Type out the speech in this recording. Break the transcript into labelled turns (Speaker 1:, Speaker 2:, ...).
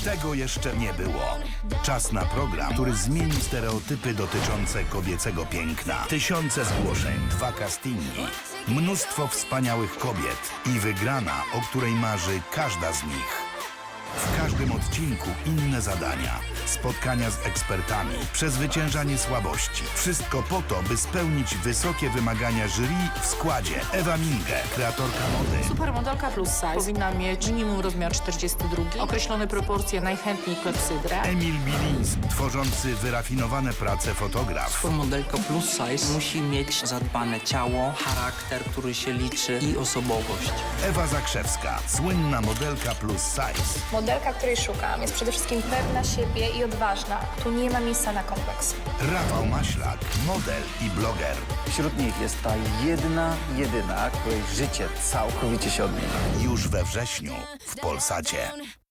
Speaker 1: Tego jeszcze nie było. Czas na program, który zmieni stereotypy dotyczące kobiecego piękna. Tysiące zgłoszeń, 2 castingi, mnóstwo wspaniałych kobiet i wygrana, o której marzy każda z nich. W każdym odcinku inne zadania, spotkania z ekspertami, przezwyciężanie słabości. Wszystko po to, by spełnić wysokie wymagania jury w składzie. Ewa Minge, kreatorka mody.
Speaker 2: Supermodelka plus size powinna mieć minimum rozmiar 42, określone proporcje, najchętniej klepsydrę.
Speaker 1: Emil Biliński, tworzący wyrafinowane prace fotograf.
Speaker 3: Supermodelka plus size musi mieć zadbane ciało, charakter, który się liczy i osobowość.
Speaker 1: Ewa Zakrzewska, słynna modelka plus size.
Speaker 4: Modelka, której szukam, jest przede wszystkim pewna siebie i odważna. Tu nie ma miejsca na kompleks.
Speaker 1: Rafał Maślak, model i bloger.
Speaker 5: Wśród nich jest ta jedyna, której życie całkowicie się odmienia.
Speaker 1: Już we wrześniu w Polsacie.